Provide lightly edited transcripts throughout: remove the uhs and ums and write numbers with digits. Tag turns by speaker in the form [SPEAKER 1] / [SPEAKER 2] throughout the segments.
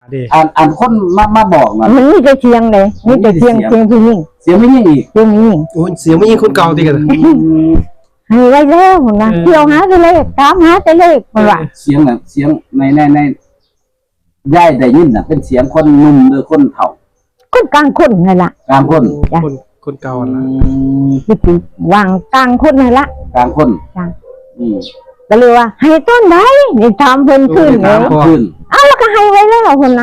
[SPEAKER 1] อ่านคนมาบอกมัน
[SPEAKER 2] มีแต่เสียงเลยมีแต่เสียงผู้หญิง
[SPEAKER 1] เสียงไม่ยิ่งอีก
[SPEAKER 2] เสียงผู้หญิง
[SPEAKER 3] โอ้เสียงไม่ยิงคนเก่าดีกัน
[SPEAKER 2] ให้ไว้แล้วนะเที่ยวหาแต่เลขตามหาแต่เลขมันว่า
[SPEAKER 1] เสียงน่ะเสียงในย่ายได้ยินน่ะเป็นเสียงคนหนุ่มหรือคนเฒ่า
[SPEAKER 2] คนกลางคนนั่นล่ะ
[SPEAKER 1] กลางคน
[SPEAKER 3] คนเก่าล่ะ
[SPEAKER 2] สิวางกลางคนนั่นล่ะ
[SPEAKER 1] กลางคน
[SPEAKER 2] จ้ะก็เลยว่าให้ต้นได้นี่ถามเพิ่นขึ้นเลยเอาแล้วก็ให้ไว้แล้วเพิ่นนะ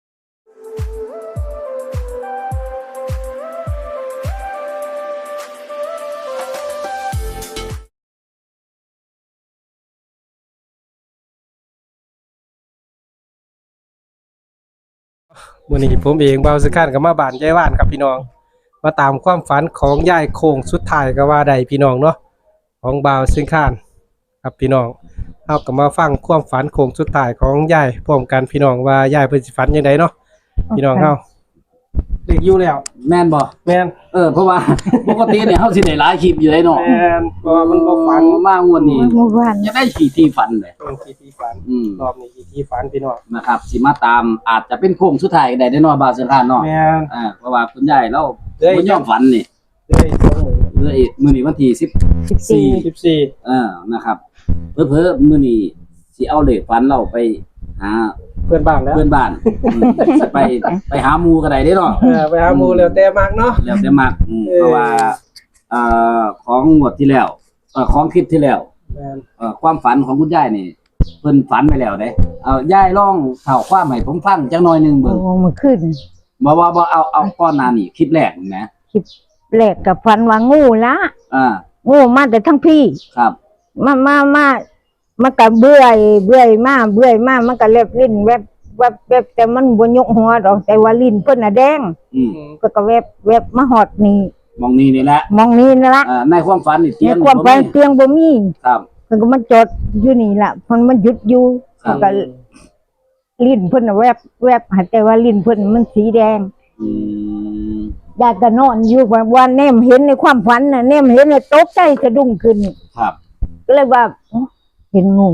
[SPEAKER 3] วันนี้ผมเองเบาสกันกับมาบ้านยายว่านครับพี่น้องมาตามความฝันของยายโค้งสุดท้ายก็ว่าใดพี่น้องเนาะของเบาซึ่งข้านครับพี่น้องเอาก็มาฟังความฝันโค้งสุดท้ายของยายพร้อมกันพี่น้องว่ายายเพิ่นสิฝันยังไงเนาะพี่น้องเฮาเด็กอยู่แล้ว
[SPEAKER 1] แม่นบ่
[SPEAKER 3] แม่น
[SPEAKER 1] เพราะว่าปกติเนี่ยเฮาสิได้หลายคลิปอยู่ได้เนาะ
[SPEAKER 3] แม่นเพราะมันบ่ฝัน
[SPEAKER 1] มางวดนี้จะได้ขี่ที่ฝันเลย
[SPEAKER 3] ขี่ที่ฝันรอบนี้ขี่ที่ฝันพี่น้อง
[SPEAKER 1] นะครับสิมาตามอาจจะเป็นโค้งสุดท้ายได้เนาะบาสิคานเนาะ
[SPEAKER 3] แม่น
[SPEAKER 1] เพราะว่าคุณยายเราบ่ยอมฝันนี่เลยมื้อนี้วันที่14นะครับเพิ่นมื้อนี้สิเอาเลขฝันเราไปหา
[SPEAKER 3] เพื่อนบ้านแล้ว
[SPEAKER 1] ไปหาหมู่ก็ได้เด้เนาะ
[SPEAKER 3] ไปหาหมู่แล้วแต่มักเนาะ
[SPEAKER 1] แล้วแต่มักเพราะว่าของงวดที่แล้วของคลิปที่แล้วความฝันของคุณยายนี่เพิ่นฝันไปแล้วเด้ยายลองเล่าความให้ผมฟังจักหน่อยนึงเบิ่ง
[SPEAKER 2] มันขึ้น
[SPEAKER 1] บ่เอาก่อนหน้านี้คลิปแรกนะ
[SPEAKER 2] คลิปแรกกับฝันว่างูละงูมาแต่ทั้งพี่
[SPEAKER 1] ครับ
[SPEAKER 2] มันก็เบื่อยมามันก็เล็บลิ้นแวบแต่มันบ่ยกหัวดอกแต่ว่าลิ้นเพิ่นน่ะแดงก็แวบมาฮอดนี่
[SPEAKER 1] มองนี่แหละในความฝันนี่
[SPEAKER 2] เตียงความฝันเตียงบ่มี
[SPEAKER 1] ครับ
[SPEAKER 2] เพิ่นก็มันจอดอยู่นี่ล่ะมันหยุดอยู่ก็ลิ้นเพิ่นน่ะแวบแต่ว่าลิ้นเพิ่นมันสีแดงยายก็นอนอยู่ว่าแนมเห็นในความฝันน่ะแนมเห็นแล้วตกใจสะดุ้งขึ้น
[SPEAKER 1] ครับ
[SPEAKER 2] ก็เลยว่าเห็นงู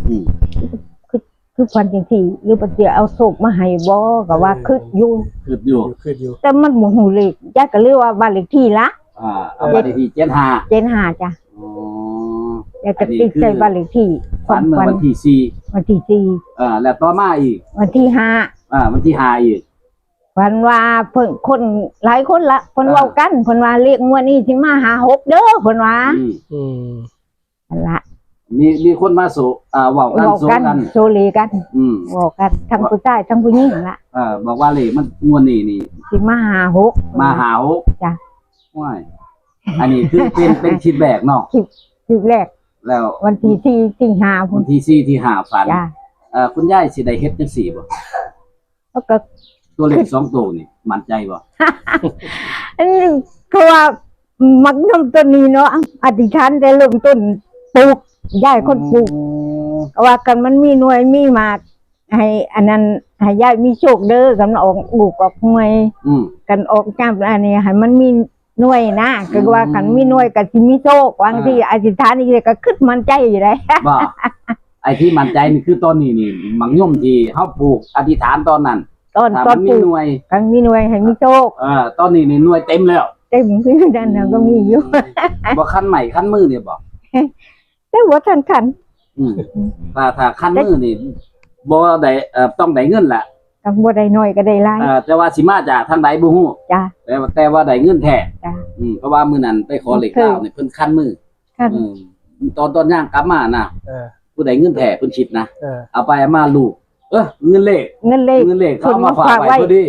[SPEAKER 2] คือฝันจังซี่หรือปะเสียเอาโศกมาให้บ่ก็ว่าคึดอยู่แต่มันบ่ฮู้เลขยายก็เลยว่าบ้านเลขที่ละ
[SPEAKER 1] เอาบ้านเลขที่
[SPEAKER 2] 75จ้ะยายก็ติดใจบ้านเลขที่
[SPEAKER 1] ฝันเมื่อวันที่4แล้วต่อมาอีก
[SPEAKER 2] วันที่5
[SPEAKER 1] วันที่5อีก
[SPEAKER 2] ฝันว่าเพิ่นคนหลายคนละเพิ่นเว้ากันเพิ่นว่าเลขงวดนี้สิมาหา6เด้อเพิ่นว่านั่นล่ะ
[SPEAKER 1] มีคนมาเว้ากัน
[SPEAKER 2] โซเลกันเว้ากันทั้งผู้ชายทั้งผู้หญิงล่ะ
[SPEAKER 1] บอกว่าเลขมันงวดนี้นี่
[SPEAKER 2] สิมาหา6จ้ะ
[SPEAKER 1] ว้ายอันนี้คือเป็นคลิปแรกเนาะ
[SPEAKER 2] คลิปแรก
[SPEAKER 1] แล้ว
[SPEAKER 2] วันที่4สิงหาคม
[SPEAKER 1] วันที่4ที่5ฝันคุณยายสิได้เฮ็ดจังซี่บ่
[SPEAKER 2] แล้วก็
[SPEAKER 1] ตัวเลข2ตัวนี่มั่นใจบ่
[SPEAKER 2] อันนี้คือว่ามักนำต้นนี้เนาะอธิษฐานได้เริ่มต้นปลูกยายคนปลูกว่ากันมันมีหน่วยมีหมากให้อันนั้นให้ยายมีโชคเด้อกันออกลูกออกหน่วยกันออกจ้ามอันนี้ให้มันมีหน่วยนะก็ว่ากันมีหน่วยก็สิมีโชคบางทีอธิษฐานนี่ก็คิดมั่นใจอยู่ได้
[SPEAKER 1] บ่ไอ้ที่มั่นใจนี่คือตอนนี้นี่มังย่อมที่เฮาปลูกอธิษฐานตอนนั้น
[SPEAKER 2] ตอน
[SPEAKER 1] มีหน่วย
[SPEAKER 2] กันมีหน่วยให้มีโชค
[SPEAKER 1] ตอนนี้นี่หน่วยเต็มแล้ว
[SPEAKER 2] เต็มคือนั่นน่ะก็มีอยู่
[SPEAKER 1] บ่คันใหม่คันมือเนี่ยบ่
[SPEAKER 2] แต่ว่าทัน
[SPEAKER 1] ถ้าคันมือนี่บ่ได้ต้องได้เงินแหละ
[SPEAKER 2] ต้องบ่ได้น้อยก็ได้หลาย
[SPEAKER 1] แต่ว่าสิมาจากทางใดบ่ฮู้
[SPEAKER 2] จ้ะ
[SPEAKER 1] แต่ว่าได้เงินแท้
[SPEAKER 2] จ้ะ
[SPEAKER 1] เพราะว่ามื้อนั้นไปขอเลข9นี่เพิ่นคันมือตอนย่างกลับมาน่ะผู้ใดเงินแท้เพิ่นคิดนะเอาไปมาลูกเงินเลขเขามาฝากไว้พอดี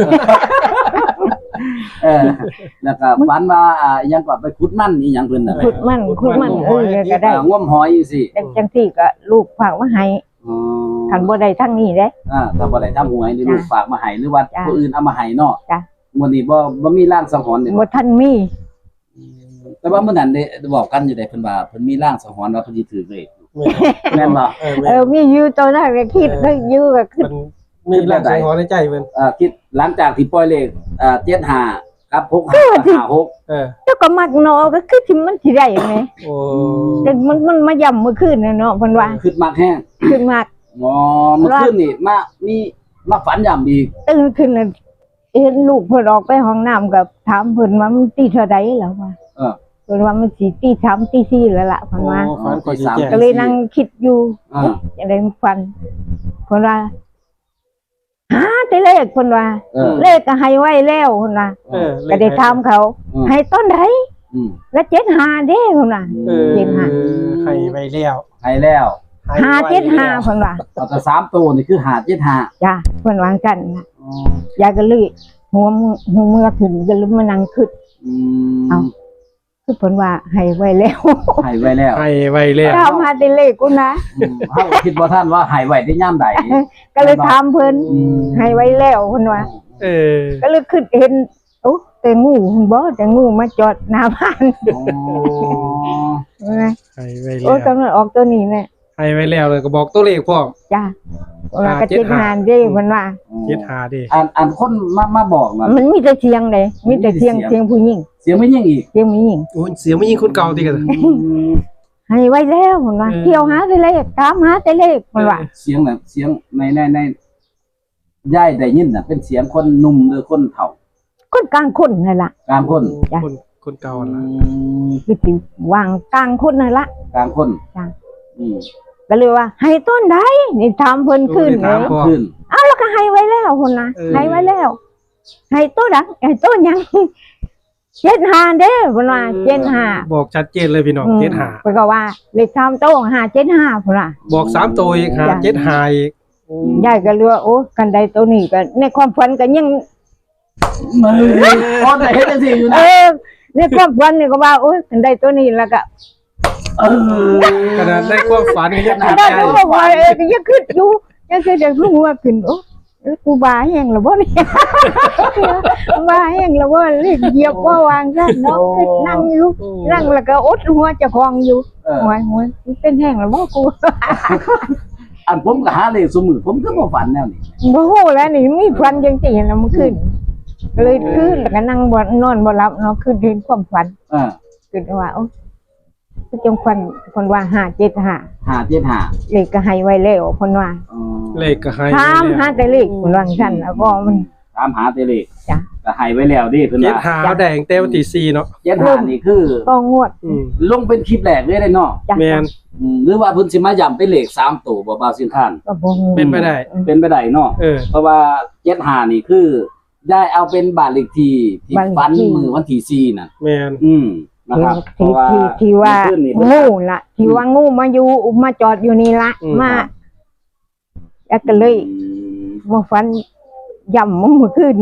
[SPEAKER 1] แล้วก็ฝันว่ายังก็ไปขุดมันอีหยังเพิ่นน่ะ
[SPEAKER 2] ขุดมันก็ได้
[SPEAKER 1] งมหอยสิ
[SPEAKER 2] จังซี่ก็ลูกฝากมาให้คันบ่ได้ทั้งนี้เด้
[SPEAKER 1] ถ้าบ่ได้ทำหวยนี่ลูกฝากมาให้หรือว่าผู้อื่นเอามาให้เนาะ
[SPEAKER 2] จ้ะ
[SPEAKER 1] มื้อนี้บ่มีร่างสังหรณ์นี่
[SPEAKER 2] บ่ทันมี
[SPEAKER 1] แต่ว่ามื้อนั้นได้บอกกันอยู่ได้เพิ่นว่าเพิ่นมีร่างสังหรณ์ว่าเพิ่นสิถือเลขแม่นบ่
[SPEAKER 2] มีอยู่ตอนนั้นก็คิดก็อยู่ก็คิด
[SPEAKER 3] มีร่างสังหรณ์ในใจเพิ่น
[SPEAKER 1] คิดหลังจากที่ปล่อยเลข75กับ656
[SPEAKER 2] แล้วก็มักเนาะก็คือที่มันสิได้แหมแต่มันมาย่ำเมื่อคืนน่ะเนาะเพิ่นว่า
[SPEAKER 1] คิดมักแฮง
[SPEAKER 2] คิดมัก
[SPEAKER 1] เมื่อคืนนี่มีมาฝันย่ำอีก
[SPEAKER 2] ตื่นขึ้นน่ะเห็นลูกเพิ่นออกไปห้องน้ำกับถามเพิ่นว่ามันตีเท่าใดแล้วว่า
[SPEAKER 1] เออ
[SPEAKER 2] เพิ่นว่ามันสิตี3ตี4แล้วล่ะเพิ่นว่า
[SPEAKER 3] โอ้ฝันก่อนสิแจ้ง
[SPEAKER 2] ก็เลยนั่งคิดอยู่
[SPEAKER 1] อ่า
[SPEAKER 2] จะได้ฟันเพิ่นว่าหาแต่เลขเพิ่นว่า
[SPEAKER 1] เออ
[SPEAKER 2] เลขก็ให้ไว้แล้วเพิ่นว่า
[SPEAKER 3] เออ
[SPEAKER 2] ก็ได้ถามเขา
[SPEAKER 1] อืม
[SPEAKER 2] ให้ต้นใด
[SPEAKER 1] อืม
[SPEAKER 2] แล้ว75เด้เพิ่นว่า
[SPEAKER 3] เออ
[SPEAKER 2] เจ็ดห้า
[SPEAKER 3] ให้ไว้แล้ว
[SPEAKER 1] ให้แล้ว
[SPEAKER 2] 575เพิ่นว่า
[SPEAKER 1] เอาแต่3ตัวนี่คือ575
[SPEAKER 2] จ้ะเพิ่นวางกันนะยายก็เลยหัวมือขึ้นก็เลยมานั่งคิด
[SPEAKER 1] อืม
[SPEAKER 2] เอา คือเพิ่นว่าให้ไว้แล้ว
[SPEAKER 1] ให้ไว้แล้ว
[SPEAKER 3] ให้ไว้แล้ว
[SPEAKER 2] ถามหาแต่เลขกูนะ
[SPEAKER 1] เฮาคิดว่าท่านว่าให้ไว้ได้ย่ำใด
[SPEAKER 2] ก็เลยถามเพิ่น
[SPEAKER 1] อืม
[SPEAKER 2] ให้ไว้แล้วเพิ่นว่า
[SPEAKER 3] เออ
[SPEAKER 2] ก็เลยคิดเห็นโอ้แต่งูบ่แต่งูมาจอดหน้าบ้าน
[SPEAKER 1] อ๋อ
[SPEAKER 3] ให้ไว้
[SPEAKER 2] โอ้
[SPEAKER 3] แล้ว
[SPEAKER 2] กำลังออกตัวนี้แหละ
[SPEAKER 3] ให้ไว้แล้วเลยก็บอกตัวเลขพร้อม
[SPEAKER 2] จ้ะว่าก็
[SPEAKER 3] เจ็
[SPEAKER 2] จิ
[SPEAKER 3] ด
[SPEAKER 2] ต
[SPEAKER 3] ห้า
[SPEAKER 2] หานเด้เพิ่นว่า
[SPEAKER 3] 75ดิ
[SPEAKER 1] อันคนมาบอกนะ
[SPEAKER 2] มันมีแต่เสียงเด้มีแต่เสียงผู้หญิง
[SPEAKER 1] เสียงไม่ยิ่งอีก
[SPEAKER 2] เสียงผู้หญิง
[SPEAKER 3] โอ้ยเสียงไม่ยิงคนเก่าติกัน
[SPEAKER 2] ให้ไว้แล้วเพิ่นว่า
[SPEAKER 3] เออ
[SPEAKER 2] เที่ยวหาแต่เลขตามหาแต่เลขเพิ่นว่า
[SPEAKER 1] เสียงน่ะเสียงในย่ายได้ยินน่ะเป็นเสียงคนหนุ่มหรือคนเฒ่า
[SPEAKER 2] คนกลางคนนั่นล่ะ
[SPEAKER 1] กลางคน
[SPEAKER 2] จ้ะ
[SPEAKER 3] คนเก่าล่ะ
[SPEAKER 2] คือสิวางกลางคนนั่นล่ะ
[SPEAKER 1] กลางคน
[SPEAKER 2] จ้ะ
[SPEAKER 1] อืม
[SPEAKER 2] ก็เลยว่า ให้ต้นใดนี่ถามเพิ่นขึ้น
[SPEAKER 3] โอ้ยถาม
[SPEAKER 2] เลย
[SPEAKER 3] พ่อ
[SPEAKER 1] ขึ้น
[SPEAKER 2] เอาแล้วก็ให้ไว้แล้วคนนะ
[SPEAKER 3] เออ
[SPEAKER 2] ให้ไว้แล้ว ให้ต้นดังให้ต้นยัง75เด้เพิ่นว่า75
[SPEAKER 3] บอกชัดเจนเลยพี่น้อง75
[SPEAKER 2] เพิ่นก็ว่าเลข3โต๊ะ575เพิ่นว่า
[SPEAKER 3] บอก3ตัวอีก575อีก
[SPEAKER 2] ยายก็เลือกโอ้กันใดตัวนี้ก็ในความฝันก็ยัง
[SPEAKER 1] มือพอได้เฮ็ดจังซี่อยู่
[SPEAKER 2] เอ
[SPEAKER 1] นะ
[SPEAKER 2] อในความฝันนี่ก็ว่าโอ้ยกันใดตัวนี้แล้วก็
[SPEAKER 1] เออ
[SPEAKER 3] ขนาดในความฝันก็ยัง
[SPEAKER 2] ก็
[SPEAKER 3] ติด
[SPEAKER 2] ได้
[SPEAKER 3] ใจ
[SPEAKER 2] ก็ว่าก็ยังคิดอยู่ยังคิดจะรู้ว่าขึ้นโอ้กูบาแห้งแล้วบ่เนี่ยบาแห้งแล้วบ่เรียกเหยียบว่าวางซะเนาะคิดนั่งอยู่นั่งแล้วก็อดหัวเจ้าของอยู่
[SPEAKER 1] เออ
[SPEAKER 2] หัวเป็นแห้งแล้วบ่กู
[SPEAKER 1] อันผมก็หาเลขสมือผมก็บ่ฝันแนวนี้
[SPEAKER 2] บ่ฮู้แล้วนี่มีฝันจังซี่นะมันขึ้นเลยขึ้นแล้วก็นั่งบ่นอนบ่หลับเนาะขึ้นเห็นความฝัน
[SPEAKER 1] เออ
[SPEAKER 2] ขึ้นว่าโอ้จงคนว่า575
[SPEAKER 1] 575
[SPEAKER 2] เลขก็ให้ไว้แล้วคนว่า
[SPEAKER 1] อ๋อ
[SPEAKER 3] เลขก็ให้
[SPEAKER 2] ถามหาแต่เลขคนว่าซั่นแล้วก็มัน
[SPEAKER 1] ตามหาแต่เลข
[SPEAKER 2] จ้ะ
[SPEAKER 1] ก็ให้ไว้แล้วดิเพิ่น
[SPEAKER 3] เจ็ด
[SPEAKER 1] ว่า
[SPEAKER 3] หาแดงเต้วันที่4เนาะ
[SPEAKER 1] 75นี่คือ
[SPEAKER 2] ก็งวด
[SPEAKER 3] อืม
[SPEAKER 1] ลงเป็นคลิปแรกเลยได้เนาะ
[SPEAKER 2] จ้ะ
[SPEAKER 3] แม่น
[SPEAKER 1] หรือว่าเพิ่นสิมาย้ำเป็นเลข3ตัวบ่บ่าวสิงคาน
[SPEAKER 2] ก็บ่ฮู้
[SPEAKER 3] เป็นไปได้
[SPEAKER 1] เป็นไปได้เนาะ
[SPEAKER 3] เออ
[SPEAKER 1] เพราะว่า75นี่คือได้เอาเป็นบ้านเลขที่ฝันมือวันที่4น่ะ
[SPEAKER 3] แม่น
[SPEAKER 1] นะครับเพ
[SPEAKER 2] ที่
[SPEAKER 1] ราะว่า
[SPEAKER 2] ที่ว่า
[SPEAKER 1] ขึ้นนี่
[SPEAKER 2] งูล่ะที่ว่างูมาอยู่มาจอดอยู่นี่ละมาแล้วก็เลยมาฝันย่ำมันเมื่อคืน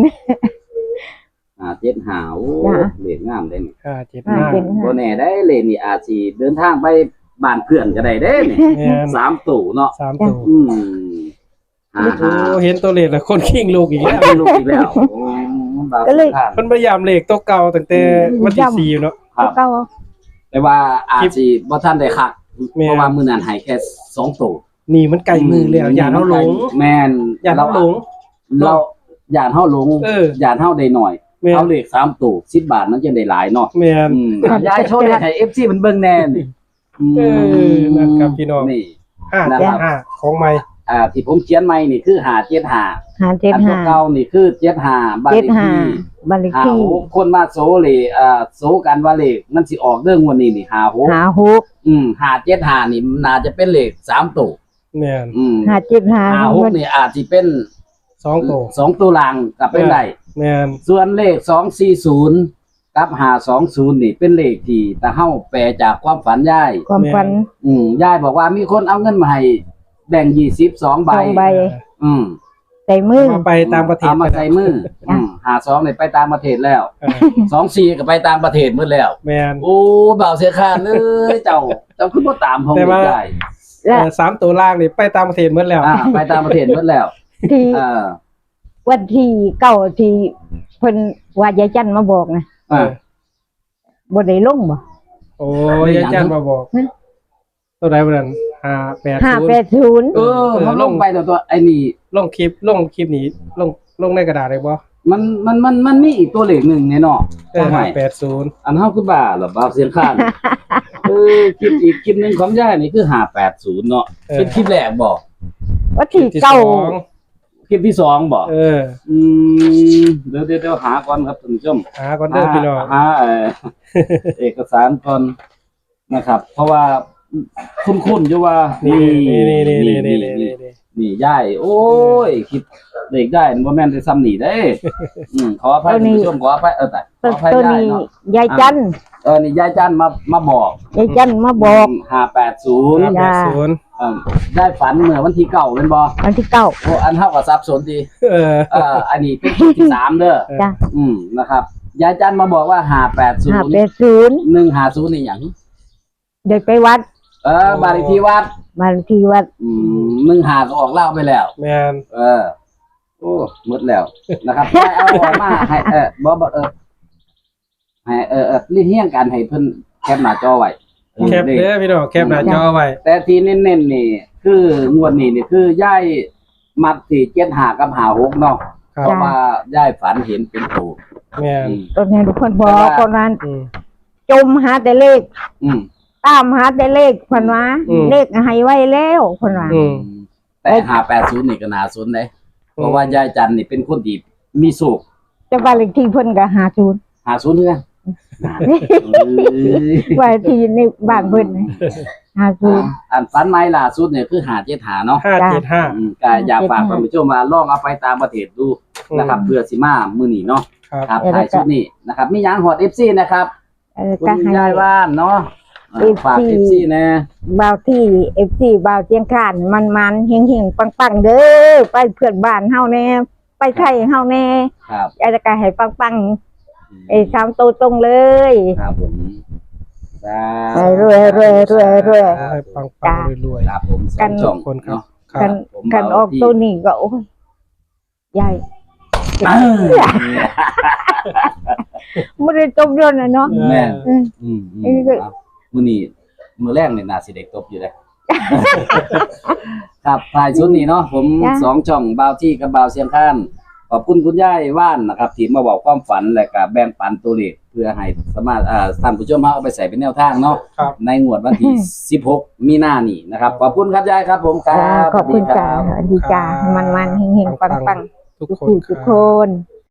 [SPEAKER 1] 75โอ้
[SPEAKER 2] จ้ะ
[SPEAKER 1] เลขงามเด้นี่
[SPEAKER 3] 575
[SPEAKER 1] บ่แน่ได้เลขนี่อาจสิเดินทางไปบ้านเพื่อนก็ได้เด้นี่
[SPEAKER 3] แม่น
[SPEAKER 1] 3ตู้เนาะ
[SPEAKER 3] 3ตัว
[SPEAKER 1] อืมหา
[SPEAKER 3] โอ้เห็นตัวเลขแล้วคนขิงลูกอีกแล้ว
[SPEAKER 1] ลูกอีกแล้วบ่าว
[SPEAKER 2] ก็เลย
[SPEAKER 1] สิงคาน
[SPEAKER 3] มันพยายามเลขตัวเก่าตั้งแต่วันที่4อยู่เนาะ
[SPEAKER 1] ครับ
[SPEAKER 2] ก็
[SPEAKER 1] แต่ว่าอาจสิบ่ทันได้คัก
[SPEAKER 3] แม่น
[SPEAKER 1] เพราะว่ามื้อนั้นให้แค่2ตู้
[SPEAKER 3] นี่มันไกลมือแล้วอย่าเฮาหลง
[SPEAKER 1] แม่น
[SPEAKER 3] อย่าเฮาหลง
[SPEAKER 1] เราอย่าเฮาหลง
[SPEAKER 3] เออ
[SPEAKER 1] อย่าเฮาได้หน่อย
[SPEAKER 3] แม่น
[SPEAKER 1] เอาเลข3ตู้10บาทมันจะได้หลายเนาะ
[SPEAKER 3] แม่น
[SPEAKER 1] ยายโชว์ให้ FC มันเบิ่งแน่นี่
[SPEAKER 3] เออนะครับพี่น้อง
[SPEAKER 1] นี่
[SPEAKER 3] 575ของใหม่
[SPEAKER 1] ที่ผมเขียนใหม่นี่คือ575
[SPEAKER 2] หา
[SPEAKER 1] อันตัวเก่านี่คือ75บ้านเลขที่
[SPEAKER 2] 75บัลลิที่
[SPEAKER 1] 56คนมาโซเลยโซกันว่าเลขมันสิออกเรื่องวันนี้นี่56
[SPEAKER 2] หาฮุก
[SPEAKER 1] 575นี่น่าจะเป็นเลข3ตู้
[SPEAKER 3] แม่น
[SPEAKER 2] หา
[SPEAKER 1] 56นี่อาจสิเป็น
[SPEAKER 3] 2ตัว
[SPEAKER 1] 2ตัวล่างก็เป็นได้
[SPEAKER 3] แม่น
[SPEAKER 1] ส่วนเลข240กับ520นี่เป็นเลขที่ตาเฮาแปลจากความฝันยาย
[SPEAKER 2] ความฝัน
[SPEAKER 1] ยายบอกว่ามีคนเอาเงินมาให้แบ่ง22ใบ
[SPEAKER 2] 2 ใบ
[SPEAKER 1] อืม
[SPEAKER 2] ใส่มือ
[SPEAKER 3] มาไปตามประเทศ
[SPEAKER 1] เอามาใส่มือ52นี่ไปต่างประเทศแล้ว
[SPEAKER 3] เออ
[SPEAKER 1] 24ก็ไปต่างประเทศหมดแล้ว
[SPEAKER 3] แม่น
[SPEAKER 1] โอ้บ่าวเสียค่าเลยเจ้าคือบ่ตามผม
[SPEAKER 3] แต่ว่า
[SPEAKER 1] ได้
[SPEAKER 2] และ
[SPEAKER 3] 3ตัวล่างนี่ไปตามประเทศหมดแล้ว
[SPEAKER 1] ไปต่างประเทศหมดแล้ว
[SPEAKER 2] ที่
[SPEAKER 1] เออ
[SPEAKER 2] วันที่เก้าที่เพิ่นว่ายายจันมาบอกนะ
[SPEAKER 1] อ่า
[SPEAKER 2] บ่ได้ลงบ่
[SPEAKER 3] โอ้ยอาจารย์มาบอก
[SPEAKER 2] ฮะ
[SPEAKER 3] ตัวใดบ่นั่น580
[SPEAKER 2] 580
[SPEAKER 1] มันลงไปตัวไอ้นี่
[SPEAKER 3] ลงคลิปนี้ลงในกระดาษได้บ่
[SPEAKER 1] มันมีอีกตัวเลขหนึ่งในเนาะ
[SPEAKER 3] 580
[SPEAKER 1] อันเฮาคือบ้าเหรอบ่าวเสียงข้างคลิปอีกคลิปหนึงของยายนี่คือ580เนาะเป็นคลิปแรกบ่
[SPEAKER 2] วันที่
[SPEAKER 3] ที่
[SPEAKER 2] เก้า
[SPEAKER 3] 2
[SPEAKER 1] คลิปที่สองบ่
[SPEAKER 3] อื
[SPEAKER 1] เดี๋ยวหาก่อนครับท่านผู้ชม
[SPEAKER 3] หาก่อนเด้อพี่น้อง
[SPEAKER 1] หาเอกสารก่อนนะครับ เพราะว่าคุ้นๆอยู่ว่านี่ย่ายโอ้ยคิดเด็กได้บ่แม่นได้ซ้ำนี่เด้ขออภัยท่านผู้ชมขออภัยแต่ขออภัย
[SPEAKER 2] ตัว
[SPEAKER 1] ย่าย
[SPEAKER 2] นี้
[SPEAKER 1] เนาะ
[SPEAKER 2] ยายจัน
[SPEAKER 1] นี่ยายจันมาบอก
[SPEAKER 2] ยายจันมาบอก
[SPEAKER 1] 580
[SPEAKER 2] จ้า
[SPEAKER 1] ได้ฝันเมื่อวันที่9เป็นบ่
[SPEAKER 2] วันที่เก้า
[SPEAKER 1] โอ้อันเท่ากับสับสนดี อันนี้เป็นที่3เด้อ
[SPEAKER 2] จ้ะ
[SPEAKER 1] นะครับยายจันมาบอกว่า580
[SPEAKER 2] 580
[SPEAKER 1] 150นี่หยัง
[SPEAKER 2] เดินไปวัด
[SPEAKER 1] บ้านเลขที่วัด
[SPEAKER 2] มาที่วัด
[SPEAKER 1] 15ก็ออกเล่าไปแล้ว
[SPEAKER 3] แม่น
[SPEAKER 1] โอ้หมดแล้วนะครับให้เอาออกมาให้บ่ให้เรียงกันให้เพิ่นแคปหน้าจอไว้
[SPEAKER 3] แคปเด้อพี่น้องแคปหน้าจอไว้
[SPEAKER 1] แต่ที่เน้นๆนี่คืองวดนี้นี่คือย่ายมักที่75กับ56เนาะ
[SPEAKER 3] ครั
[SPEAKER 1] เพ
[SPEAKER 3] บ
[SPEAKER 1] ราะว่าย่ายฝันเห็นเป็นตัว
[SPEAKER 3] แม่น
[SPEAKER 2] ตัวนี้ทุกคนบอกคนนั้น
[SPEAKER 3] อืม
[SPEAKER 2] จมหาแต่เลข
[SPEAKER 1] อืม
[SPEAKER 2] ตามหาแต่เลขคนว่า
[SPEAKER 3] อืม
[SPEAKER 2] เลขให้ไว้แล้วคนว่า
[SPEAKER 3] อืม
[SPEAKER 1] แต่580นี่ก็น่าสนเลยเพราะว่ายายจันนี่เป็นคนที่มีสุข
[SPEAKER 2] จะบ้านเลขที่เพิ่นก็50
[SPEAKER 1] 50เด้อ
[SPEAKER 2] บ้านที่ในบ้านเพิ่น50
[SPEAKER 1] อันฝันใหม่ล่าสุดเนี่ยคือ575เนาะ
[SPEAKER 3] 575
[SPEAKER 1] ก็อยากฝากท่านผู้ชมว่าลองเอาไปตามประเทศดูนะครับเพื่อสิมามื้อนี้เนาะ
[SPEAKER 3] ครับ
[SPEAKER 1] ครับถ่ายชุดนี้นะครับมีหยังฮอด FC นะครับคุ
[SPEAKER 2] ก็
[SPEAKER 1] ณ
[SPEAKER 2] ให้
[SPEAKER 1] ยายว่านเนาะฝาก FC แน่
[SPEAKER 2] บ่าวที่ FC บ่าวเจียงคานมันๆเฮงๆปังๆเด้อไปเพื่อนบ้านเฮาแน่ไปไทยเฮาแน่
[SPEAKER 1] ครับ
[SPEAKER 2] อยากจะให้ปังๆไอ้3ตัวตรงเลย
[SPEAKER 1] ครับผมสา
[SPEAKER 2] ให้รวยๆๆ
[SPEAKER 3] ให้ปังๆรวย
[SPEAKER 1] ครับผมสองช่อง
[SPEAKER 3] คนครับ
[SPEAKER 1] เนาะ
[SPEAKER 3] ๆครั
[SPEAKER 2] กับ น
[SPEAKER 1] ผม
[SPEAKER 2] กันออกตัวนี้ก็โอ้ยใหญ่ไม่ได้จบยนต์นะเนาะ
[SPEAKER 1] แม่น
[SPEAKER 2] อืม
[SPEAKER 1] ครับมื้อนี้มื้อแรกนี่น่าสิได้ตบอยู่เด้ ครับถ่ายชุดนี้เนาะผมสองช่องบ่าวที่กับบ่าวเสียงข้านขอบคุณคุณยายว่านนะครับที่มาบอกความฝันและก็แบ่งปันตัวเลขเพื่อให้สามารถท่านผู้ชมเอาไปใส่เป็นแนวทางเนาะ
[SPEAKER 3] ครับ
[SPEAKER 1] ในงวดวันที่ 16 มีนานี่นะครับขอบคุณครับยายครับผมครั
[SPEAKER 2] จ้า
[SPEAKER 1] บ
[SPEAKER 2] ขอบคุณจ้า
[SPEAKER 1] สวัสดีรับ
[SPEAKER 2] สวัสดีจ้ามันๆเฮงๆปังๆ
[SPEAKER 3] ทุก
[SPEAKER 2] ทุก
[SPEAKER 3] คน
[SPEAKER 2] ผู้
[SPEAKER 3] ค
[SPEAKER 2] ทุก
[SPEAKER 3] รับ
[SPEAKER 2] คน